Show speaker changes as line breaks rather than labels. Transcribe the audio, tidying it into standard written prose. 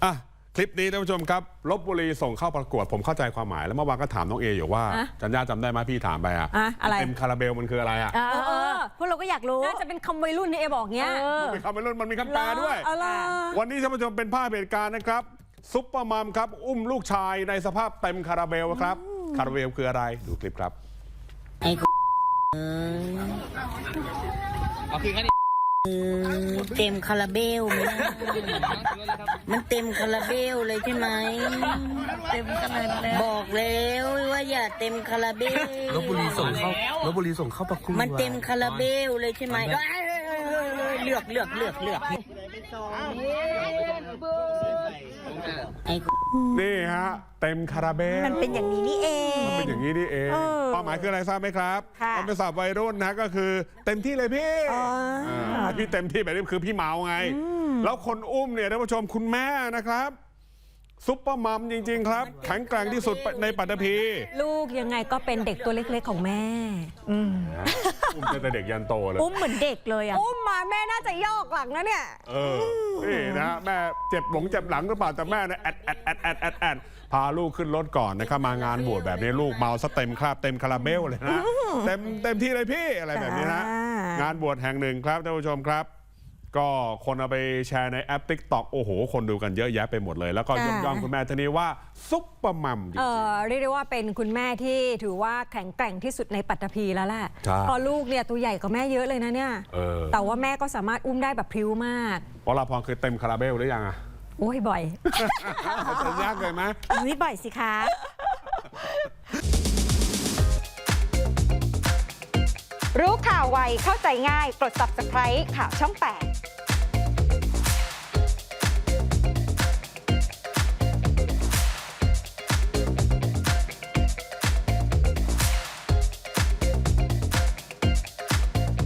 อ่ะคลิปนี้ท่านผู้ชมครับลพบุรีส่งเข้าประกวดผมเข้าใจความหมายแล้วเมื่อวานก็ถามน้องเออยู่ว่าจันย่าจำได้ไหมพี่ถามไป
อะไร
เต็มคาราเบลมันคืออะไร
พวกเราก็อยากรู้
น่าจะเป็นคำวัยรุ่นนี่เอบอกเงี้ย
มันเป็นคำวัยรุ่นมันมีคำแปลด้วยวันนี้ท่านผู้ชมเป็นภาพเหตุการณ์นะครับซุปเปอร์มัมครับอุ้มลูกชายในสภาพเต็มคาราเบลครับคาราเบลคืออะไรดูคลิปครับ
ไอ้เต็มคาราเบลมันเต็มคาราเบลเลยใช่ไหมเต็มขนาดแล้วบอกแล้วว่าอย่าเต็มคาราเบล
ลพบุรีส่งเข้าประกวด
มันเต็มคาราเบลเลยใช่ไหมเลือก
นี่ฮะเต็มคาราเบล
มันเป็นอย่างนี้นี่เอง
มันเป็นอย่างนี้นี่เองความหมายคืออะไรทราบไหมครับมันเป็นศัพท์วัยรุ่นนะก็คือเต็มที่เลยพี่พี่เต็มที่แบบนี้คือพี่เมาไงแล้วคนอุ้มเนี่ยท่านผู้ชมคุณแม่นะครับซุปเปอร์มัมจริงๆครับแข็งแกร่งที่สุดในปัตตภี
ลูกยังไงก็เป็นเด็กตัวเล็กๆของแม่
อุ้มแต่เด็กยันโตเลย
อุ้มเหมือนเด็กเลย
อุ้มมาแม่น่าจะยอกหลังนะเนี่ย
นี่นะแม่เจ็บหลังหรือเปล่าแต่แม่เนี่ยแอดพาลูกขึ้นรถก่อนนะครับมางานบวชแบบนี้ลูกเมาซะเต็มคราบเต็มคาราเบลเลยนะเต็มที่เลยพี่อะไรแบบนี้นะงานบวชแห่งหนึ่งครับท่านผู้ชมครับก็คนเอาไปแชร์ในแอป TikTok โอ้โหคนดูกันเยอะแยะไปหมดเลยแล้วก็ยกย่องคุณแม่ท่านนี้ว่าซุปเปอร์มัมจริง
ๆเรียกได้ว่าเป็นคุณแม่ที่ถือว่าแข็งแกร่งที่สุดในปัตตภีแล้วแหละพอลูกเนี่ยตัวใหญ่กว่าแม่เยอะเลยนะเนี่ยแต่ว่าแม่ก็สามารถอุ้มได้แบบพริ้วมาก
วราพรเคยเต็มคาราเบลหรือยังอ่ะ
โอ้ยบ่อย
จะยากเลยไหม
ไม่บ่อยสิคะ
รู้ข่าวไวเข้าใจง่ายกด Subscribe ข่าวช่อง 8